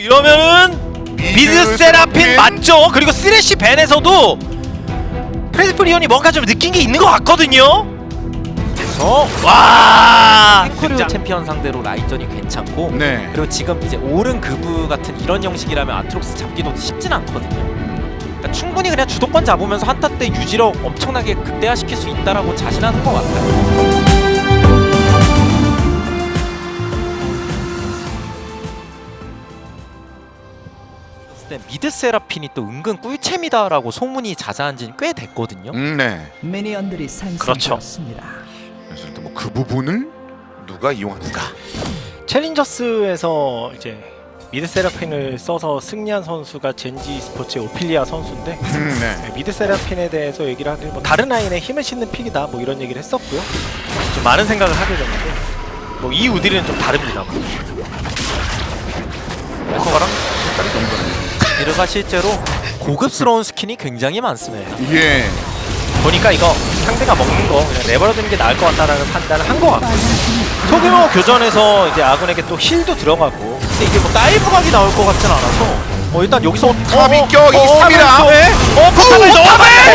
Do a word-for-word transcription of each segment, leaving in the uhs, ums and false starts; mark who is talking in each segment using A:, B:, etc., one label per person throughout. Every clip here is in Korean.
A: 이러면은 미드 세라핀 맞죠? 그리고 쓰레쉬 벤에서도 프레스프리온이 뭔가 좀 느낀 게 있는 것 같거든요. 그래서 와
B: 탱크류 챔피언 상대로 라인전이 괜찮고
C: 네.
B: 그리고 지금 이제 오른 그브 같은 이런 형식이라면 아트록스 잡기도 쉽진 않거든요. 그러니까 충분히 그냥 주도권 잡으면서 한타 때 유지력 엄청나게 극대화시킬 수 있다라고 자신하는 것 같아요. 미드 세라핀이 또 은근 꿀챔이다라고 소문이 자자한 지는 꽤 됐거든요.
C: 음, 네.
D: 미니언들이 상승되었습니다.
C: 그래서 일단 뭐 그 부분을 누가 이용할까?
A: 챌린저스에서 이제 미드 세라핀을 써서 승리한 선수가 젠지 스포츠의 오피리아 선수인데
C: 음, 네.
A: 네, 미드 세라핀에 대해서 얘기를 하길 뭐 다른 라인에 힘을 싣는 픽이다 뭐 이런 얘기를 했었고요. 좀 많은 생각을 하게 됐는데 뭐 이 우디는 좀 다릅니다.
C: 에코가랑 색깔이 너무 다르네요.
B: 미르가 실제로 고급스러운 스킨이 굉장히 많습니다.
C: 예.
A: 보니까 이거 상대가 먹는 거 그냥 내버려두는 게 나을 것 같다라는 판단을 한 것 같고 소규모 교전에서 이제 아군에게 또 힐도 들어가고
B: 근데 이게 뭐 다이브 각이 나올 것 같진 않아서 어 일단 여기서
C: 탑 인격 있습니다.
A: 어 포탑을 넣어봐!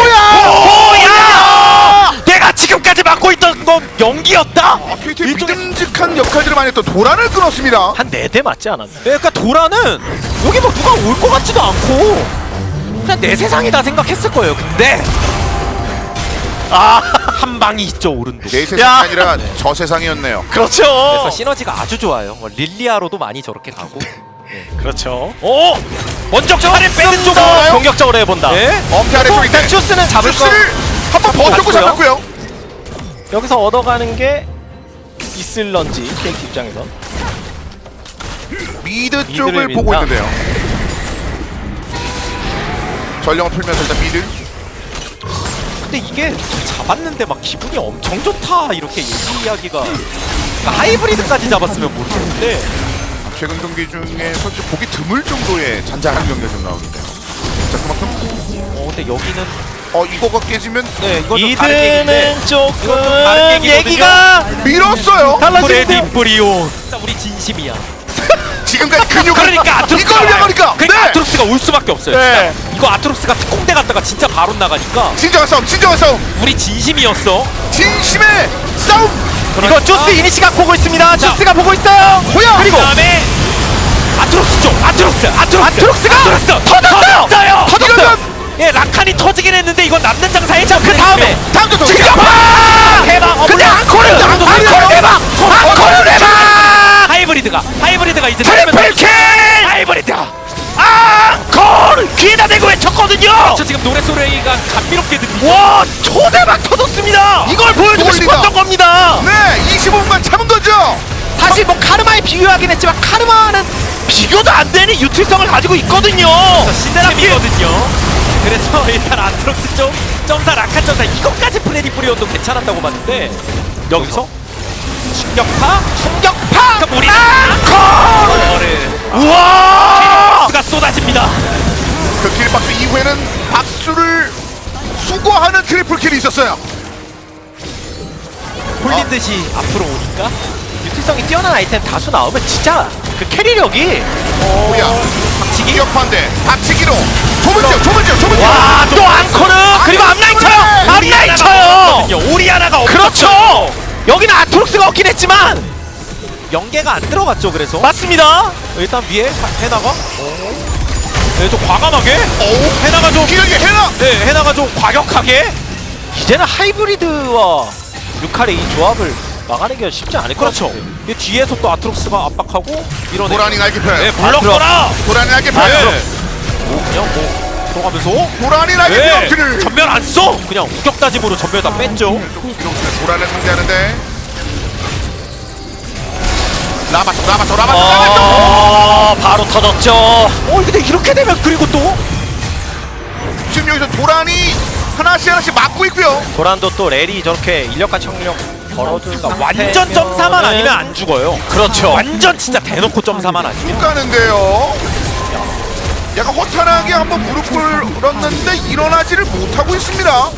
A: 뭐야! 내가 지금까지 맡고 있던 건 연기였다?
C: 아, 케이티의 믿음직한 역할들을 많이 했던 도란을 끊었습니다.
A: 한 네 대 맞지 않았나?
B: 그러니까 도라는 여기 뭐 누가 올 것 같지도 않고 그냥 내 세상이다 생각했을 거예요. 근데 아 한 방이 있죠 오른도.
C: 내 세상이
A: 야!
C: 아니라 저 세상이었네요.
A: 그렇죠.
B: 그래서 시너지가 아주 좋아요. 뭐 릴리아로도 많이 저렇게 가고.
A: 그렇죠. 오! 먼저 팔을 빼는 쪽으로
C: 싸워요?
A: 공격적으로 해본다.
B: 네?
C: 엄폐 아래쪽인데
A: 일단 슈스는 잡을 거
C: 슈스를 한번 버텼고
A: 잡고요.
C: 잡았고요.
A: 여기서 얻어가는 게 있을런지 케이크 입장에서
C: 미드 쪽을
A: 민다.
C: 보고 있는데요. 전령을 풀면서 일단 미드.
B: 근데 이게 잡았는데 막 기분이 엄청 좋다 이렇게 얘기하기가 그러니까 하이브리드까지 잡았으면 모르겠는데
C: 최근 경기 중에 솔직히 보기 드물 정도의 잔잔한 경기가 좀 나오는데요. 자 그만큼
B: 어 근데 여기는
C: 어 이거가 깨지면
B: 네 이건 좀 다른 얘기인데
A: 이드는 조금
B: 이건 좀 다른 얘기거든요.
A: 얘기가
C: 밀었어요.
A: 달라지는데
B: 프리온 진짜 우리 진심이야.
C: 지금까지 근육을
B: 그러니까 아트록스가
C: 이걸 위하니까
B: 그러니까
C: 네.
B: 아트록스가 올 수밖에 없어요.
A: 네.
B: 진짜. 이거 아트록스가 특공대 갔다가 진짜 바로 나가니까
C: 진정한 싸움, 진정한 싸움,
B: 우리 진심이었어.
C: 진심의 싸움.
A: 이거 조스 이니시가 보고 있습니다.
B: 자.
A: 조스가 보고 있어요.
C: 호야.
A: 그리고
B: 그다음에 아트록스 쪽 아트록스 아트록스
A: 아트록스가
B: 아트록스
A: 터졌어요.
B: 터졌어요.
C: 이러면
B: 예 라칸이 터지긴 했는데 이건 남는 장사에
A: 자, 그 다음에
C: 다음 도
A: 아!
B: 대박. 어,
A: 근데
B: 물론
A: 앙코르!
B: 앙코르
A: 앙코르 대박! 앙코르 대박!
B: 하이브리드가 하이브리드가 이제
A: 트리플 킬!
B: 하이브리드가
A: 앙코르! 귀에다 대고 외쳤거든요.
B: 저 지금 노래 소리가 감미롭게 들리죠.
A: 와 초대박 터졌습니다. 이걸 보여주고
C: 돌리다.
A: 싶었던 겁니다.
C: 네, 이십오 분간 참은 거죠.
A: 사실 뭐 카르마에 비교하긴 했지만 카르마는 비교도 안 되는 유틸성을 가지고 있거든요.
B: 신세라피거든요. 그래서 일단 아트록스 쪽 점사 라칸 점사 이것까지 프레디 프리온도 괜찮았다고 봤는데 여기서 충격파
A: 충격파!
B: 그러니까 우리
A: 앙코르! 우와!
B: 가 쏟아집니다.
C: 그 킬박스 이후에는 박수를 수거하는 트리플 킬이 있었어요.
B: 홀린 듯이 앞으로 오니까
A: 유틸성이 뛰어난 아이템 다수 나오면 진짜 그 캐리력이
C: 호야,
B: 박치기
C: 기억판대 박치기로 좁은 지역, 좁은 지역, 좁은 지역.
A: 와 또 앙코르 그리고 앞라인 쳐요. 앞라인 쳐요.
B: 오리아나가
A: 그렇죠. 여기는 아트록스가 없긴 했지만
B: 연계가 안 들어갔죠. 그래서
A: 맞습니다.
B: 일단 위에 해나가 네, 좀 과감하게
C: 오,
B: 해나가 좀
C: 기억이 해나.
B: 네, 해나가 좀 과격하게
A: 이제는 하이브리드와 루카의 이 조합을 막아내기가 쉽지 않을 것
B: 그렇죠.
A: 같은데.
B: 이 뒤에서 또 아트록스가 압박하고 밀어내.
C: 도란이 날개편.
B: 네, 물러거라.
C: 도란이 날개편.
B: 네. 뭐 그냥 뭐 들어가면서
C: 도란이
B: 네.
C: 날개편.
B: 전면 안 써. 그냥 우격다짐으로 전면 다 뺐죠.
C: 도란을 상대하는데 라바토, 라바토, 라바토, 라바토.
A: 아 바로 터졌죠.
B: 어 근데 이렇게 되면 그리고 또
C: 지금 여기서 도란이 하나씩 하나씩 막고 있고요.
A: 도란도 또 렐이 저렇게 인력과 청력 벌어주는
B: 그러니까 완전 점사만 아니면 안 죽어요.
A: 그렇죠.
B: 완전 진짜 대놓고 점사만 아니면.
C: 쭉 가는데요. 약간 허탄하게 한번 무릎을 꿇었는데 일어나지를 못하고 있습니다.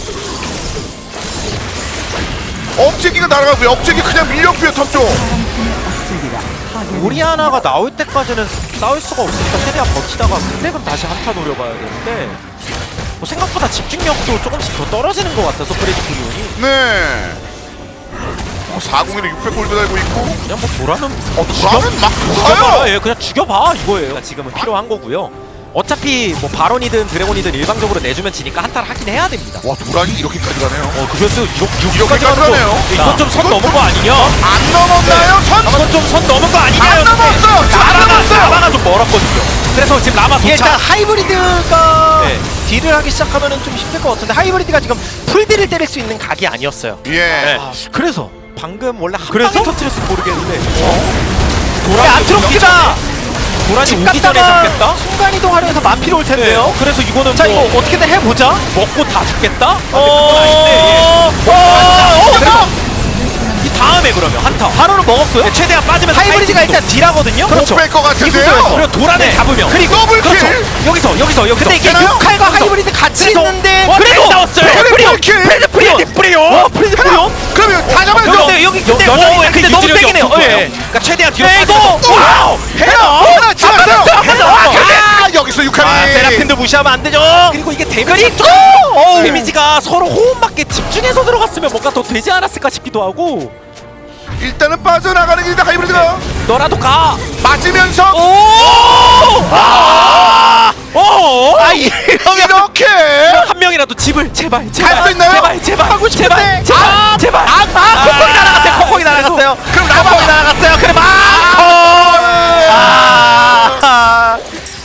C: 억제기가 날아가고요. 억제기 그냥 밀렸고요. 탑 쪽.
D: 수비가 파괴.
B: 오리아나가 나올 때까지는 싸울 수가 없으니까 최대한 버티다가 근데금 다시 한타 노려봐야 되는데 뭐 생각보다 집중력도 조금씩 더 떨어지는 것 같아서 프레디 프리온이
C: 네. 어, 사공일에 육백 골드 달고 있고.
B: 그냥 뭐 도라는
C: 어, 도라는 막
B: 죽여봐,
C: 가요.
B: 예, 그냥 죽여봐 이거예요. 그러니까 지금은 필요한 거고요. 어차피 뭐 바론이든 드래곤이든 일방적으로 내주면 지니까 한타를 하긴 해야 됩니다.
C: 와, 도란이 이렇게까지 가네요.
B: 어 그래서
C: 이렇게까지
B: 이렇게까지 가는 거
C: 가네요.
B: 이건 좀 선
C: 이건
B: 넘은
C: 좀-
B: 거 아니냐?
C: 안 넘었나요? 선?
B: 이건 좀 선 넘은 거 아니냐?
C: 안 넘었어요. 지금 안
B: 라바가
C: 넘었어요.
B: 라바가 좀 멀었거든요. 그래서 지금 라바
A: 이게 일단
B: 도착.
A: 하이브리드가
B: 네.
A: 딜을 하기 시작하면 좀 힘들 것 같은데 하이브리드가 지금 풀딜을 때릴 수 있는 각이 아니었어요.
C: 예.
A: 네.
B: 아,
A: 그래서
B: 방금 원래 한
A: 그래서?
B: 방에 터트렸으면 모르겠는데.
A: 근데 아트록스가
B: 도란이
A: 집
B: 오기 전에
A: 갔다가
B: 잡겠다?
A: 순간 이동하려면서 만피로 올 텐데요.
B: 어, 그래서 이거는
A: 자
B: 뭐
A: 이거 어떻게든 해보자.
B: 먹고 다 죽겠다? 아,
A: 어,
B: 그건 아닌데. 예.
A: 어, 어,
B: 그래서 이 다음에 그러면 한타.
A: 바로는 먹었고요.
B: 네, 최대한 빠지면서
A: 하이브리드가
B: 파이팅도.
A: 일단 딜하거든요.
B: 그렇죠.
C: 못 뺄 것 같은데요.
B: 그리고 도란을
A: 네.
B: 잡으면
A: 그리고
C: 더블 킬.
B: 그렇죠. 여기서 여기서 여기서
A: 근데 이게
C: 되나요?
A: 육칼과
B: 여기서.
A: 하이브리드 같이
B: 그래서
A: 있는데
B: 어,
A: 그래도
B: 잘 나왔어요.
A: 프레드 프리온!
C: 킬.
A: 프레드 프리온!
B: 프레디 프리온!
A: 어, 프레드 프리온!
C: 그러면 다 잡아야죠.
A: 근데 여기 근데
B: 여- 여전히
A: 오,
B: 그
A: 근데 너무
B: 유지력이
A: 세긴 해요.
B: 없을 거예요.
A: 예.
B: 그러니까 최대한 뒤로
A: 네, 이거!
B: 빠져서
A: 와우!
C: 해요. 하나 잡았어요.
A: 해요.
C: 아, 여기서
A: 아,
C: 육칼이.
A: 세라핀도 무시하면 안 되죠.
B: 그리고 이게 데미지
A: 그리고 어우.
B: 데미지가 서로 호흡맞게 집중해서 들어갔으면 뭔가 더 되지 않았을까 싶기도 하고
C: 일단은 빠져나가는 길이다 하이브리드가.
B: 너라도 가!
C: 맞으면서
B: 오! 아! 오!
A: 아 이러면
C: 이렇게.
B: 한 명이라도 집을 제발 제발
C: 갈수 있나요?
B: 제발 제발
A: 하고 싶은데.
B: 제발 제발
A: 아,
B: 제발
A: 아, 아, 코코이 날아갔어요. 코코이 날아갔어요. 그럼 코코이 날아갔어요. 그럼 아, 아,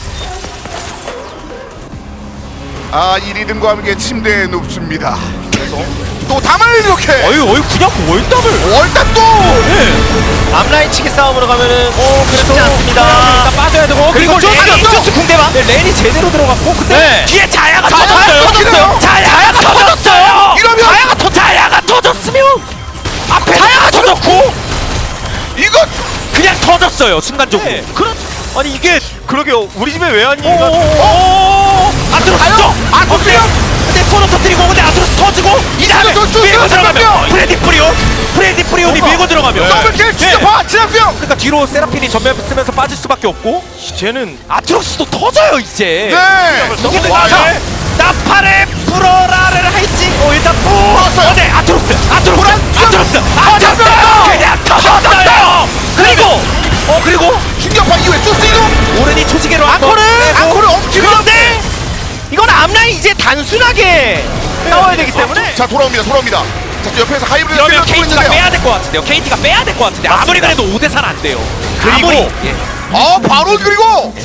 C: 아, 일 위등과 함께 침대에 눕습니다. 그래서 또 담을 이렇게.
B: 어이 어이 그냥 월담을
C: 월단 또.
B: 네.
A: 앞라인 치기 싸움으로 가면은 어,
B: 그래서
A: 쉽지 않습니다.
B: 일단 빠져야 되고
A: 그리고
B: 그리고
A: 레니
B: 레니
A: 인조스 궁대방.
B: 네, 레니 제대로 들어갔고 근데
A: 네.
B: 뒤에 자야가
C: 자야가
B: 터졌어요.
C: 터졌어요.
B: 자야가 터졌어요.
C: 이러면-
B: 자야가 터 자야가 터졌으면 앞에 자야가 터졌고
C: 이거
B: 그냥 터졌어요 순간적으로.
A: 네. 그렇 아니 이게 그러게요. 우리 집에 왜 왔니?
B: 오, 오, 아트로스
C: 가요? 아트로스!
B: 근데 서로 터뜨리고 근데 아트로스 터지고 이 다음에
C: 또, 또, 또,
B: 밀고
C: 또,
B: 들어가면
C: 잠깐만요.
B: 프레디 프리온 프레디 프리온이
A: 어머.
B: 밀고 들어가면
C: 더블킬 진짜
B: 네.
C: 봐. 지상병.
B: 그러니까 뒤로 세라핀이 전면 쓰면서 빠질 수밖에 없고
A: 쟤는
B: 아트로스도 터져요 이제.
C: 네.
B: 이게
C: 와,
B: 자,
C: 네.
B: 나팔에 불어라를 할지 어 일단
C: 불었어요.
B: 어, 네 아트로스 아트로스
C: 불안,
B: 아트로스 아트로스
C: 터졌어요.
B: 그냥 터졌어요. 그리고 어 그리고
C: 충격파 이후에 쭈스 이동.
B: 오른이 초지개로
A: 앙코르!
C: 앙코르 엄지로.
A: 그런데 이건 앞라인 이제 단순하게 싸워야 되기 때문에
C: 자, 돌아옵니다. 돌아옵니다. 자, 저 옆에서 하이브리드
B: 이러면
C: 뛰고
B: 케이티가
C: 있는데요.
B: 빼야 될 것 같은데요. 케이티가 빼야 될 것 같은데 아무리 그래도 오 대 사는 안 돼요.
A: 그리고
B: 아무리. 예.
C: 어, 바로 그리고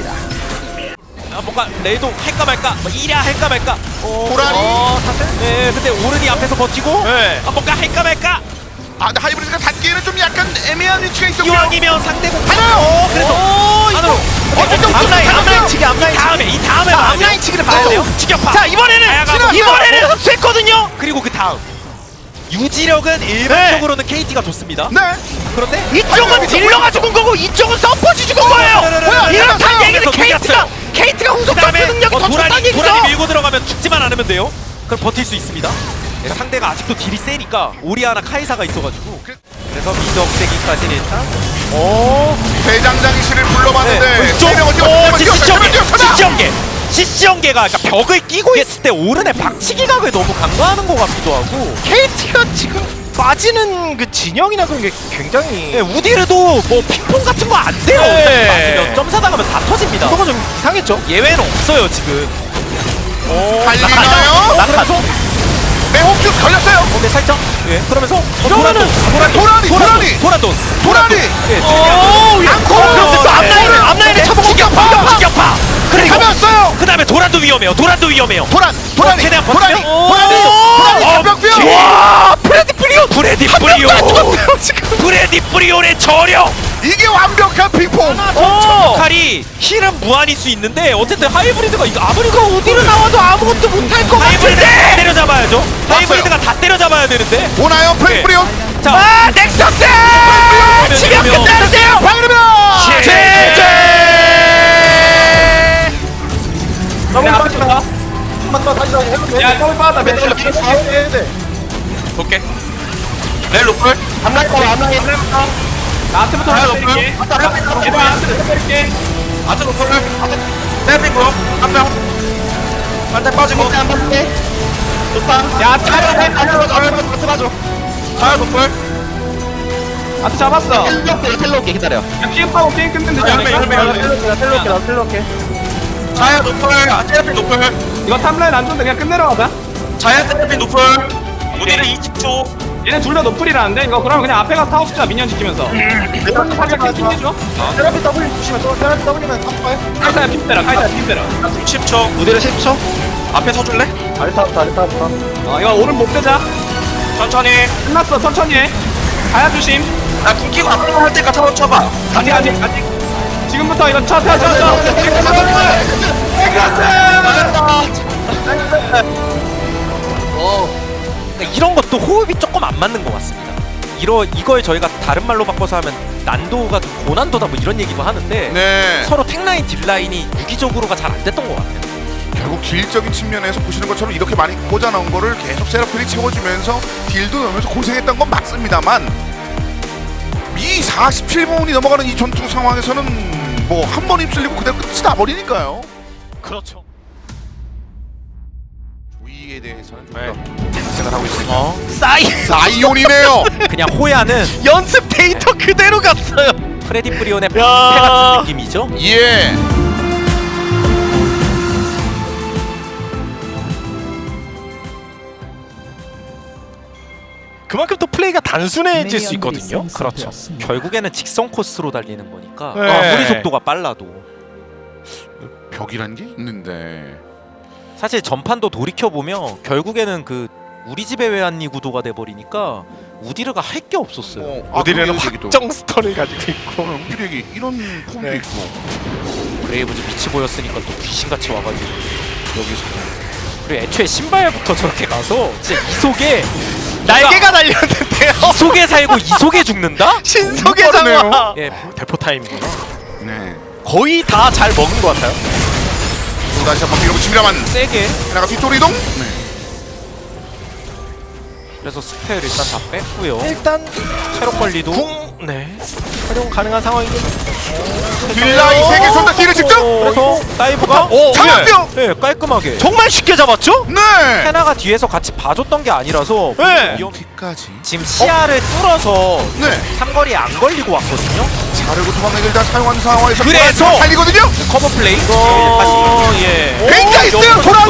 B: 아, 뭔가 레이도 할까 말까 뭐 이랴 할까 말까 어,
C: 도라니.
B: 어, 사슬? 네 근데 오른이 앞에서 버티고
A: 네.
B: 아, 뭔가 할까 말까
C: 아, 근데 하이브리드가 닿기에는 좀 약간 애매한 위치가 있었고요.
B: 이왕이면 상대공
C: 하나요.
B: 어, 그래서
A: 오,
B: 안으로
C: 어쨌든
A: 앞라인
C: 또
A: 앞라인 치기
B: 이
A: 앞라인 치기.
B: 다음에 이 다음에
A: 자,
B: 봐야
A: 앞라인
B: 돼요.
A: 치기를 봐야 돼요.
B: 추격파
A: 자 이번에는
B: 다양하고.
A: 이번에는 흡수했거든요.
B: 그리고 그 다음 유지력은 일반적으로는 케이티가 좋습니다.
C: 네.
B: 그런데
A: 이쪽은 딜러가 죽은 거고 이쪽은 서폿이 죽은 거예요.
C: 뭐야,
A: 이렇다는
C: 이겼어요.
A: 얘기는
B: 그래서
A: 케이트가
B: 이겼어요.
A: 케이트가 후속
B: 그다음에
A: 접근 능력이
B: 어,
A: 더 좋다는
B: 도란이
A: 얘기죠.
B: 도란이 밀고 들어가면 죽지만 않으면 돼요. 그럼 버틸 수 있습니다. 네, 상대가 아직도 딜이 세니까 오리아나 카이사가 있어가지고 그래서 미적대기까지는 일단
A: 오,
C: 대장장이실을 불러봤는데 세 명을 뛰어, 세 명을 뛰어, 세 명을 뛰어, 세 명!
B: 시시연계 시시연계가 그러니까 벽을 끼고 있을 때 오른의 박치기각을 너무 강조하는 것 같기도 하고
A: 케이트가 지금 빠지는 그 진영이나 그런 게 굉장히
B: 네, 우디르도 뭐 핑퐁 같은 거 안 돼요.
A: 네.
B: 맞으면 점사 당하면 다 터집니다.
A: 그거가 좀 이상했죠.
B: 예외는 없어요 지금.
C: 달리나요?
B: 그래서
C: 매혹주 걸렸어요.
B: 근데 살짝 예 그러면서 어,
A: 이러면은
B: 도란돈
C: 도란이, 도란이!
B: 도란돈
C: 도란이!
B: 예
A: 오,
B: 앙코르
A: 그런데 또 앞라인을 앞라인을 쳐보고
B: 직격파 직격파 그리고
C: 잡았어요.
B: 그 다음에 도란도 위험해요. 도란도 위험해요.
C: 도란, 도란이,
B: 최대한
C: 도란이,
B: 버티면?
C: 도란이,
B: 오!
C: 도란이
B: 어,
C: 잡혔고요.
B: 와 프레디 프리온 프레디 프리온 프레디 프리온의 저력
C: 이게 완벽한 핑퐁.
A: 오,
B: 칼이 힐은 무한일 수 있는데 어쨌든 하이브리드가 이거 아무리 그
A: 어디로 나와도 아무것도 못할 것
B: 하이브리드가 다
A: 같은데.
B: 때려잡아야죠. 하이브리드가 다 때려잡아야 되는데
C: 오나요, 프레프리온?
B: 자
A: 아, 넥서스! 치명
B: 치명
A: 끝내주세요.
C: 방금입니다.
B: 제제 볼게 렐로 풀
E: 나한테부터 때릴게. 얘들아, 나한테부터 때릴게. 아트로 풀 세핑고 한명 한대 빠지고 한 번째 좋다 야 차려 차려 차려 맞아 차려 노플
F: 아트 잡았어.
E: 텔로 텔로 올게 기다려
F: 피업하고 게임 끝내면 되지
E: 열매, 열매,
F: 않을까?
E: 열매.
F: 텔로 올게, 나 텔로 올게.
E: 자야 노플 아 세핑 노플
F: 이거 탑라인 안 좋은데 그냥 끝내러 가자.
E: 자야 세핑 노플 무딜은 이십 초
F: 얘네 둘 다 노플이라는데 이거 그러면 그냥 앞에 가서 타워 숫자 미니언 지키면서. 일단 타겟 계속 해줘.
C: 테라피 W 주시면 또 테라피 W면 탑발.
F: 카이사야 핀 때라, 카이사야 핀 때라.
E: 십 초 무딜은 십 초 앞에 서줄래?
F: 아리타부터, 아리타부터. 어, 이거 오른 못 빼자.
E: 천천히
F: 끝났어, 천천히 해. 가야 조심.
E: 나 궁키고 앞으로 할 때까지 한번 쳐봐
F: 아직, 아직, 아직. 지금부터 이거 쳐, 쳐, 쳐, 쳐.
B: 그러니까 이런 것도 호흡이 조금 안 맞는 것 같습니다. 이러 이걸 저희가 다른 말로 바꿔서 하면 난도가 좀 고난도다 뭐 이런 얘기도 하는데
C: 네.
B: 서로 탱라인 딜라인이 유기적으로가 잘 안 됐던 것 같아요.
C: 결국 딜적인 측면에서 보시는 것처럼 이렇게 많이 꽂아 넣은 거를 계속 세라핀이 채워주면서 딜도 넣으면서 고생했던 건 맞습니다만 이 사십칠 분이 넘어가는 이 전투 상황에서는 뭐 한 번 휩쓸리고 그대로 끝이 나버리니까요.
A: 그렇죠.
C: 조이에 대해서는
A: 네.
C: 좀더 생각하고 있습니다.
A: 어 사이
C: 사이온이네요.
B: 그냥 호야는
A: 연습 데이터 그대로 갔어요.
B: 프레디 프리온의
A: 야.
B: 방패 같은 느낌이죠.
C: 예.
A: 그만큼 또 플레이가 단순해질 수 있거든요.
B: 그렇죠. 결국에는 직선 코스로 달리는 거니까
A: 네.
B: 아무리 속도가 빨라도
C: 벽이란 게 있는데.
B: 사실 전판도 돌이켜 보면 결국에는 그 우리 집의 외환리 구도가 돼 버리니까 우디르가 할 게 없었어요.
C: 어, 아,
A: 어디는
C: 그러게요, 얘기도.
A: 확정 스턴을 가지고 있고.
C: 어, 필요기 이런 폼도
A: 네.
C: 있고
B: 브레이브즈 빛이 보였으니까 또 귀신같이 와가지고 여기서 그리고 애초에 신발부터 저렇게 가서 진짜 이 속에
A: 날개가 달렸는데요.
B: 이 속에 살고 이 속에 죽는다?
A: 신속의
C: 빠르네요.
A: 장화.
B: 예,
A: 대포 타임이구나.
C: 네.
A: 거의 다 잘 먹은 것 같아요.
C: 또 다시 한번 밀어붙입니다만
B: 세게.
C: 하나가 뒤쪽으로 이동. 네.
B: 그래서 스펠 일단 다 뺐고요.
A: 일단
B: 체력 관리도
A: 궁 네. 활용 가능한 상황이긴.
C: 딜라이 세개 쏜다 딜을 직접.
B: 그래서 다이브가
A: 오,
C: 장한병.
B: 네, 깔끔하게.
A: 정말 쉽게 잡았죠?
C: 네.
B: 헤나가 뒤에서 같이 봐줬던 게 아니라서
A: 네.
B: 위험...
C: 뒤까지.
B: 지금 시야를 뚫어서
C: 네.
B: 삼거리에 안 걸리고 왔거든요.
C: 자르고 도망내기 일단 사용하는 상황에서
B: 그래서!
C: 살리거든요.
B: 커버 플레이.
A: 어, 예.
C: 뱅가 있어요. 돌아.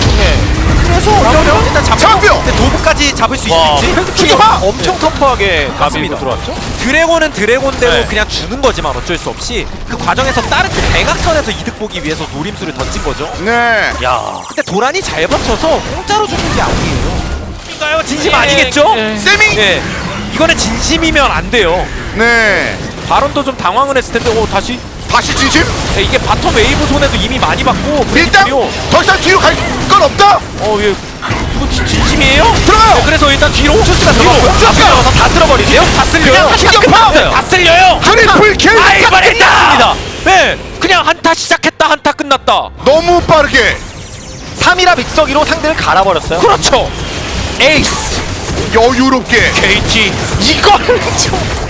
B: 그래서 어려워. 일단 잡고
C: 장병.
B: 근데 도구까지 잡을 수
A: 와,
B: 있을지
C: 죽여봐.
A: 엄청 터프하게
B: 맞습니다.
A: 가비로 들어왔죠?
B: 드래곤은 드래곤대로
A: 네.
B: 그냥 주는 거지만 어쩔 수 없이 그 과정에서 다른 그 대각선에서 이득 보기 위해서 노림수를 던진 거죠.
C: 네.
A: 야.
B: 근데 도란이 잘 버텨서 공짜로 주는 게 아니에요. 인가요? 진심
A: 예,
B: 아니겠죠?
A: 예.
C: 세미.
B: 네. 이거는 진심이면 안 돼요.
C: 네.
B: 바론도 좀 당황을 했을 텐데 오 다시
C: 다시 진심.
B: 네, 이게 바텀 웨이브 손에도 이미 많이 받고
C: 일단
B: 그리고
C: 더 이상 뒤로 갈 건 없다.
B: 어 예. 이거 진- 진심이에요?
C: 들어가요.
B: 네, 그래서 일단 뒤로 투스가 들어갔고요.
C: 투스가
B: 들어가서 다 쓸어버리세요? 다 쓸려요.
C: 그냥 충격파.
B: 다 쓸려요.
C: 트리플 킬.
B: 아 이번했다. 네, 그냥 한타 시작했다 한타 끝났다.
C: 너무 빠르게.
A: 삼이라 믹서기로 상대를 갈아버렸어요.
B: 그렇죠. 에이스
C: 여유롭게.
B: 케이티 이거는 좀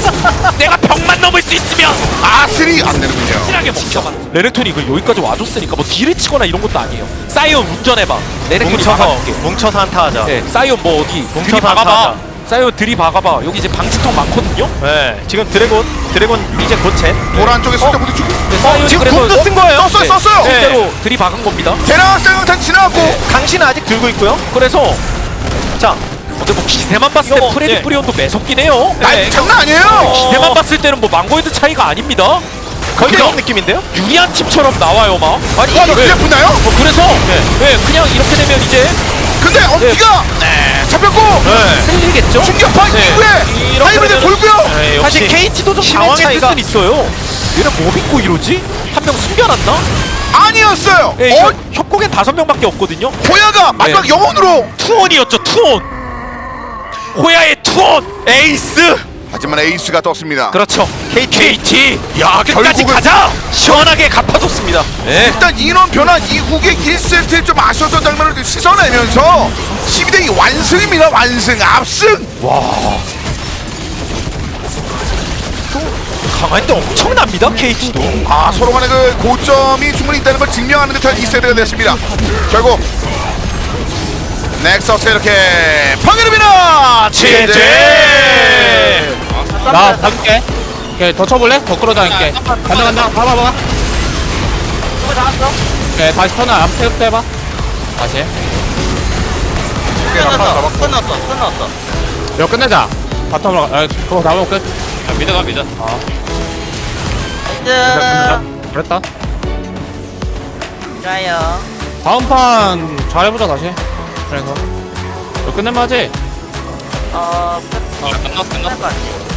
B: 내가 벽만 넘을 수 있으면
C: 아슬이 안 되는군요.
B: 확실하게 뭉쳐봐. 레넥톤이 이거 여기까지 와줬으니까 뭐 딜을 치거나 이런 것도 아니에요. 사이온 운전해봐. 레넥톤이
A: 뭉쳐서
B: 막아줄게.
A: 뭉쳐서 한타하자.
B: 네, 사이온 뭐 어디
A: 뭉쳐서
B: 들이 박아봐.
A: 한타하자.
B: 사이온 들이 박아봐. 여기 이제 방지턱 많거든요.
A: 네. 지금 드래곤 드래곤 이제 곧챗.
C: 도란 쪽에 쏠때 부딪히고.
B: 네, 사이온이
A: 지금
B: 그래서
A: 궁도 쓴 거예요.
C: 썼어요, 썼어요.
B: 네, 실제로 들이 박은 겁니다.
C: 대나쌍탕 지나고.
A: 강신은 아직 들고 있고요.
B: 그래서
A: 자,
B: 근데 뭐 기세만 봤을 때
A: 이거,
B: 프레디
A: 예.
B: 프리온도 매섭긴 해요.
C: 날
B: 네.
C: 장난 아니에요.
B: 기세만 봤을 때는 뭐 망고이드 차이가 아닙니다.
A: 거의
B: 그냥
A: 그런 느낌인데요?
B: 유리한 팀처럼 나와요 막. 아니
C: 와, 너
B: 네.
C: 그냥 붙나요?
B: 뭐 그래서 네. 그냥 이렇게 되면 이제
C: 근데 엄지가 네. 잡혔고
A: 네.
B: 쓸리겠죠.
C: 충격파
B: 네.
C: 이후에
B: 이렇게
C: 하이브리드
B: 되면은-
C: 돌고요.
A: 네, 역시
B: 사실 케이티도 좀
A: 힘의
B: 당황했을
A: 차이가-
B: 수는 있어요. 얘는 뭐 믿고 이러지? 한 명 숨겨놨나?
C: 아니었어요.
B: 네, 이거
C: 어,
B: 협곡엔 다섯 명밖에 없거든요.
C: 호야가 마지막 영혼으로.
B: 투혼이었죠 투혼. 호야의 투혼 에이스.
C: 하지만 에이스가 떴습니다.
B: 그렇죠. 케이티. 케이티.
C: 야,
B: 끝까지
C: 결국은-
B: 가자. 시원하게 갚아줬습니다. 네.
C: 일단 인원 변화 이후에 일 세트에 좀 아쉬웠던 장면을 씻어내면서 십이 대 이 완승입니다. 완승 압승.
A: 강할 때 엄청납니다 케이티도.
C: 아 서로 간의 그 고점이 충분히 있다는 걸 증명하는 듯한 이 세트가 됐습니다. 결국 넥서스 이렇게 파괴됩니다. 제제.
F: 나 봐줄게. 오케이 더 쳐볼래? 더 끌어다닐게. 간다 간다. 봐봐 봐봐. 오케이 다시 턴을 앞 세부터 해봐. 다시.
E: 끝났어 끝났어 끝났어
F: 이거 끝내자. 바텀으로 가. 아, 그거 나오면 끝.
E: 미드 가 미드
F: 끝내자. 그랬다.
E: 좋아요
F: 다음 판 잘해보자 다시. 그래서 이거 끝내면 하지.
E: 어 끝났어 끝났어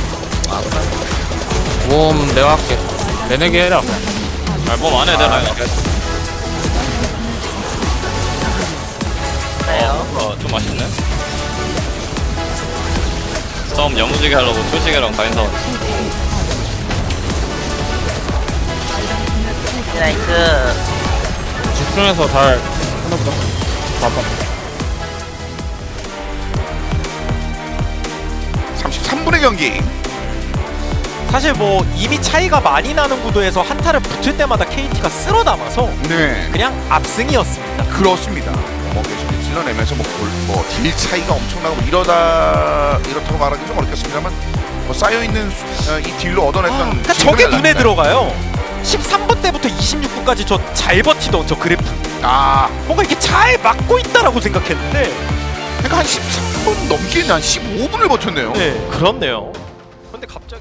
F: 몸 내가 할게. 내내기 해라.
E: 몸 안에 내가 그래요
G: 어좀 맛있네. 싸움 야무지게 하려고 초시계랑 가인사원.
E: 나이스
F: 집중해서 잘 끝내보자. 봐봐.
C: 삼십삼 분의 경기.
A: 사실 뭐 이미 차이가 많이 나는 구도에서 한타를 붙을 때마다 케이티가 쓸어 담아서
C: 네
A: 그냥 압승이었습니다.
C: 그렇습니다. 뭐 계속 찔러내면서 뭐뭐딜 차이가 엄청나고 뭐 이러다 이렇다고 말하기 좀 어렵겠습니다만 뭐 쌓여 있는 이 딜로 얻어냈던
A: 아, 그러니까
C: 지금의
A: 저게 눈에
C: 라인은-
A: 들어가요. 십삼 번 때부터 이십육 분까지 저 잘 버티던 저 그래프
C: 아
A: 뭔가 이렇게 잘 막고 있다라고 생각했는데
C: 그러니까 한 십삼 분 넘기는 한 십오 분을 버텼네요.
A: 네 그렇네요. 근데 갑자기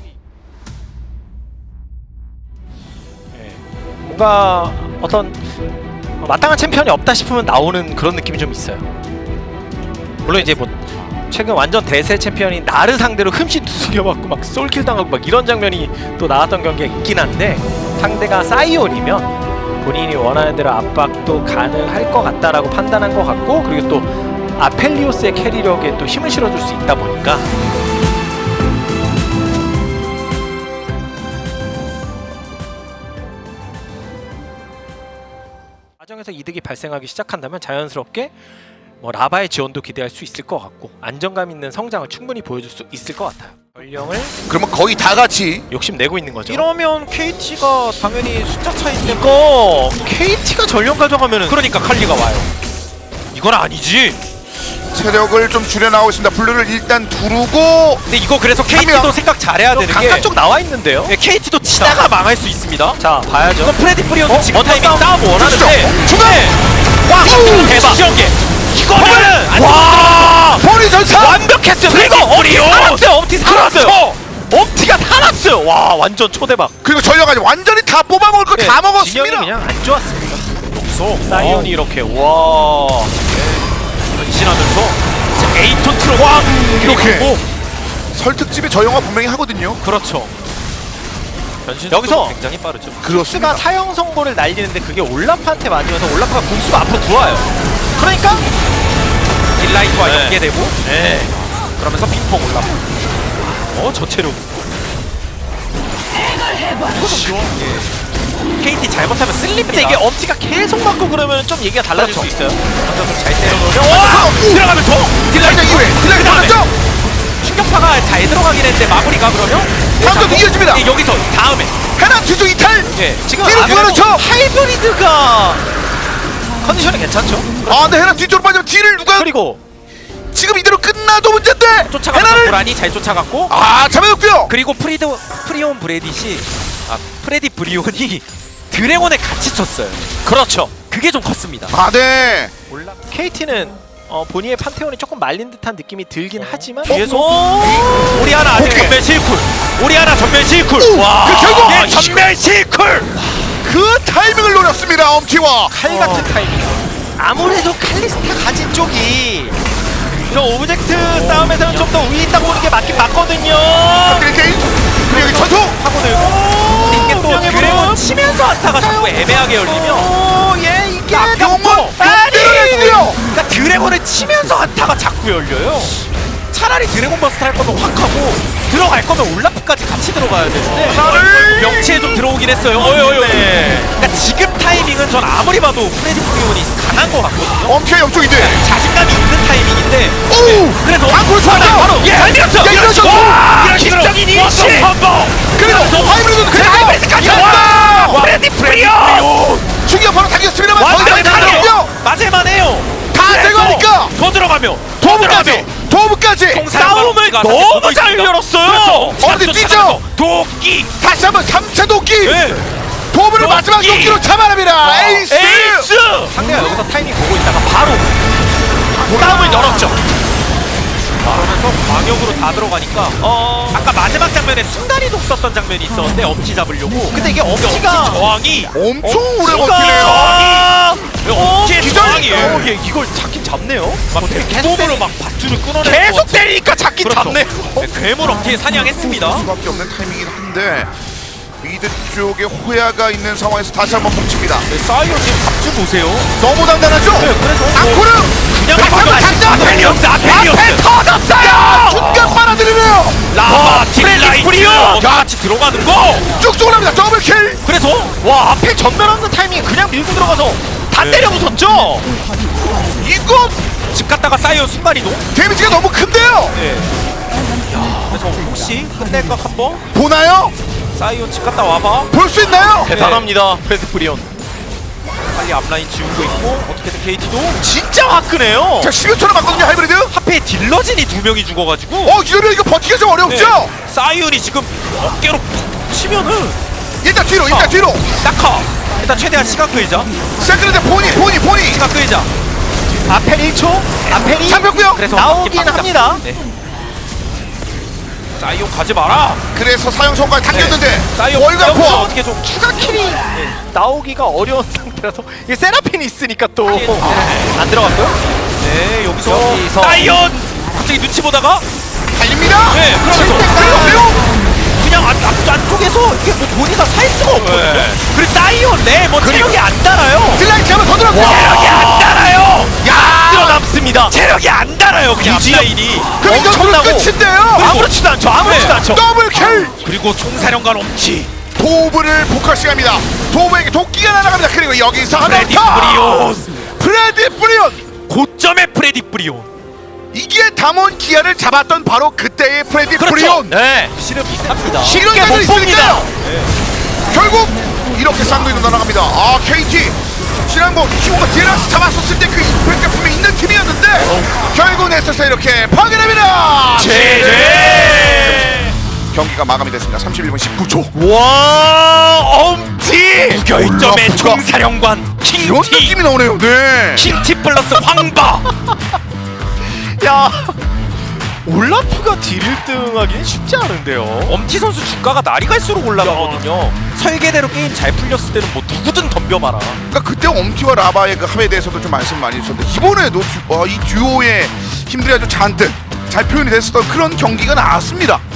A: 네, 뭔가 어떤 마땅한 챔피언이 없다 싶으면 나오는 그런 느낌이 좀 있어요. 물론 이제 뭐 최근 완전 대세 챔피언인 나르 상대로 흠씬 두들겨 맞고 막 솔킬 당하고 막 이런 장면이 또 나왔던 경기가 있긴 한데 상대가 사이온이면 본인이 원하는 대로 압박도 가능할 것 같다라고 판단한 것 같고 그리고 또 아펠리오스의 캐리력에 또 힘을 실어줄 수 있다 보니까 과정에서 이득이 발생하기 시작한다면 자연스럽게 뭐 라바의 지원도 기대할 수 있을 것 같고 안정감 있는 성장을 충분히 보여줄 수 있을 것 같아요. 전령을
C: 그러면 거의 다 같이
A: 욕심내고 있는 거죠.
B: 이러면 케이티가 당연히 숫자 차이 때문에
A: 이거 케이티가 전령 가져가면은 그러니까 칼리가 와요. 이건 아니지.
C: 체력을 좀 줄여나오고 있습니다. 블루를 일단 두르고
A: 근데 이거 그래서 케이티도
C: 명.
A: 생각 잘해야 되는 게
B: 강가 쪽
A: 나와 있는데요.
B: 예, 케이티도 치다가 망할 수 있습니다.
A: 자 봐야죠.
B: 이건 프레디 프리오도
A: 어?
B: 지금
A: 어떤
B: 타이밍
A: 싸움
B: 싸움 원하는데
A: 중간에 와 대박.
B: 시전개
A: 이거는 와
C: 보리 전사
A: 완벽했어요. 그리고 엄티 살았어요. 엄티 살았어요. 엄티가 살았어요. 와 완전 초대박.
C: 그리고 전력까지 완전히 다 뽑아먹을 거 다 먹었습니다.
A: 진영이 그냥 안 좋았습니다. 없어. 사이온이 이렇게 와 변신하면서 에이톤 트로 왕
C: 이렇게.
A: 그리고
C: 설특집에 저 영화 분명히 하거든요.
A: 그렇죠.
B: 변신
A: 여기서
B: 굉장히 빠르죠.
C: 그렇습니다.
A: 스가 사형 선고를 날리는데 그게 올라프한테 맞으면서 올라프가 공수가 앞으로 들어와요. 그러니까
B: 딜라이트와
A: 네.
B: 연계되고
A: 네.
B: 그러면서 핑퐁 올라프.
A: 어 저체력.
B: 케이티 잘못하면 쓸립니다.
A: 근데 이게 엄티가 계속 맞고 그러면 좀 얘기가 달라질
B: 그렇죠.
A: 수 있어요.
B: 먼저 좀잘 때려놓으면
A: 와 들어가면서
C: 딜라이트 이후에 딜라이트 맞죠?
B: 충격파가 잘 들어가긴 했는데 마무리가 그러면
C: 다음도 이어집니다.
B: 예, 여기서 다음에
C: 해나 뒤쪽 이탈.
B: 예 지금
C: 뒤로
B: 아,
C: 그렇죠.
A: 하이브리드가 컨디션이 괜찮죠.
C: 아 근데 해나 뒤쪽으로 빠지면 딜을 누가
A: 그리고
C: 지금 이대로 끝나도 문제인데
B: 쫓아가면서
C: 해나를
B: 고라니 잘 쫓아갔고
C: 아 잡아줬고요.
B: 그리고 프리드 프리온 브레딧이 아 프레디 브리온이 드래곤에 같이 쳤어요.
A: 그렇죠.
B: 그게 좀 컸습니다.
C: 아 네.
A: 올라 케이티는 어, 본인의 판테온이 조금 말린 듯한 느낌이 들긴 하지만
B: 뒤에서
A: 오!
B: 우리 하나 아직
C: 오케이.
B: 전멸 실쿨. 우리 하나 전멸 실쿨. 와
C: 그 결국
B: 예, 전멸 실쿨.
C: 그 타이밍을 노렸습니다. 엄티와
A: 칼 같은 타이밍. 아무래도 칼리스타 가진 쪽이 이런 오브젝트 싸움에서는 좀 더 우위 있다고 보는 게 맞긴 맞거든요.
C: 그리고 게임 그리고 여기 전투
B: 하고 들고 이게 또
A: 명예
B: 드래곤
A: 부름.
B: 치면서 한타가 자꾸 애매하게 열리면
A: 오, 예 이게
C: 용은
A: 아니!
C: 때려내고요.
B: 그러니까 드래곤을 치면서 한타가 자꾸 열려요. 차라리 드래곤 버스트 할 거면 확 하고 들어갈 거면 올라프까지 같이 들어가야 되는데
C: 나를!
B: 명치에 좀 들어오긴 했어요. 어이 어이 어이. 그러니까 지금 타이밍은 전 아무리 봐도 프레디 프리온이 강한 것 같거든요.
C: 엄청 옆쪽인데.
B: 자신감이 있는 타이밍인데
C: 오!
B: 그래서
C: 방구를 좋았죠.
B: 바로 예, 잘 밀었죠.
C: 야, 이러죠.
B: 와, 기적인 이니시.
C: 그리고 하이브리드 그리고
B: 하이브리드까지
C: 와!
B: 와, 프레디 프리온.
C: 중요한 바로 당겼습니다만
B: 와,
C: 더 이상 가는요.
B: 맞을만 해요.
C: 다 제거하니까
B: 더 들어가면
C: 도움까지 도움까지
B: 싸움을 너무 잘 열었어요.
C: 그렇죠. 어디 뛰죠?
B: 도끼.
C: 다시 한번 삼 차 도끼
B: 네.
C: 도움을
B: 도끼.
C: 마지막 도끼로 잡아냅니다. 에이스.
B: 에이스.
A: 상대가 여기서 타이밍 보고 있다가 바로 싸움을 열었죠.
B: 그러면서 광역으로 다 들어가니까 어 아까 마지막 장면에 순간이동 썼던 장면이 있었는데 엄지 잡으려고.
A: 근데 이게
B: 엄지
A: 엄지가
B: 저항이
C: 엄청 오래
B: 엄지가
C: 버티네요.
B: 저항이 엄지의
C: 기절!
B: 저항이에요.
A: 어, 얘 이걸 잡긴 잡네요.
B: 막 계속으로 막 밧줄을 끊어내는
A: 계속
B: 것 같은-
A: 때리니까 잡긴
B: 그렇죠.
A: 잡네.
B: 네, 괴물 엄지에 사냥했습니다.
C: 수밖에 없는 타이밍이긴 한데 미드 쪽에 호야가 있는 상황에서 다시 한번 뭉칩니다.
B: 네, 사이오 지금 갑주 보세요.
C: 너무 단단하죠?
B: 네, 그래서
C: 앙코르
B: 그냥
C: 다시 한번 장전!
B: 아펠리오스 아펠리오스
C: 앞에 터졌어요! 중간 빨아들이네요!
B: 라바 딜라이트 같이 들어가는 거.
C: 쭉쭉 올라갑니다. 더블킬!
B: 그래서
A: 와 앞에 전면 없는 타이밍 그냥 밀고 들어가서 다
B: 네.
A: 때려 부쉈죠.
C: 이거
B: 집 갔다가 사이오 순간이동.
C: 데미지가 너무 큰데요?
B: 네. 야, 그래서 혹시 끝낼 것 한번
C: 보나요?
B: 사이오 집 갔다 와봐.
C: 볼 수 있나요?
A: 대단합니다. 프레드 프리온.
B: 빨리 앞라인 지우고 있고 어떻게든 케이티도
A: 진짜 화끈해요.
C: 자, 십여 초나 맞거든요, 하이브리드?
B: 하필 딜러진이 두 명이 죽어가지고
C: 어, 이러면 이거 버티기가 좀 어렵죠?
B: 네. 사이온이 지금 어깨로 푹 치면은
C: 일단 뒤로, 일단
B: 어.
C: 뒤로!
B: 낙하. 일단 최대한 시간 끌자.
C: 세컨드 포니, 포니, 포니!
B: 시간 끌자.
A: 아펠 일 초. 아펠이
C: 잡혔고요.
B: 그래서
A: 나오긴
B: 바뀌- 바뀌자.
A: 합니다.
B: 네. 사이온 가지 마라.
C: 그래서 사형 성과에 당겼는데
B: 네. 사이온
C: 월간 포!
B: 어떻게 좀
A: 추가 킬이 나오기가 어려운 상태라서 이게 세라핀이 있으니까 또
B: 네.
A: 안 들어갔고요.
B: 네 여기서,
A: 여기서.
B: 사이온 갑자기 눈치 보다가
C: 달립니다!
B: 네 그러면서
C: 그리고 그리고
B: 그냥 안, 앞, 안쪽에서 이게 뭐 본이가 살 수가 없거든요.
A: 네.
B: 그리고 사이온 네뭐 체력이 안 달아요.
C: 딜라이트 한번 더 들어갔고!
B: 체력이 안 달아요.
C: 야!
A: 들어남습니다.
B: 체력이 안 달아요. 그냥
A: 유지력.
B: 앞라인이.
C: 그럼 이거
A: 엄청나고.
C: 끝인데요!
A: 아무렇지도 않죠. 아무렇지도
B: 네.
A: 않죠.
C: 더블킬!
B: 그리고 총사령관 엄치.
C: 도브를 포커싱합니다. 도브에게 도끼가 날아갑니다. 그리고 여기서 하나
B: 프레디
C: 더!
B: 프리온.
C: 프레디 프리온!
B: 고점의 프레디 프리온.
C: 이게 담원 기아를 잡았던 바로 그때의 프레디
B: 그렇죠.
C: 프리온!
A: 네.
B: 실은 비슷합니다.
A: 쉽게
C: 이런
A: 못
C: 자들이
A: 봅니다.
C: 있으니까요. 결국 이렇게 쌍둥이로 날아갑니다. 아 케이티 지난번 키오가 디라스 잡았었을 때 그 임팩트가 분명히 있는 팀이었는데 결국 넥서스 이렇게 파괴됩니다.
B: 제제.
C: 경기가 마감이 됐습니다. 삼십일 분 십구 초.
B: 와 엄지. 무결점의
C: 부가, 부가.
B: 총사령관
C: 이런
B: 킹티.
C: 느낌이 나오네요. 네.
B: 킹티 플러스 황바.
A: 야 올라프가 딜 일 등 하기는 쉽지 않은데요.
B: 엄티 선수 주가가 날이 갈수록 올라가거든요. 설계대로 게임 잘 풀렸을 때는 뭐 누구든 덤벼봐라.
C: 그러니까 그때 엄티와 라바의 그 합에 대해서도 좀 말씀 많이 주셨는데 이번에도 듀, 어, 이 듀오의 힘들이 아주 잔뜩 잘 표현이 됐었던 그런 경기가 나왔습니다.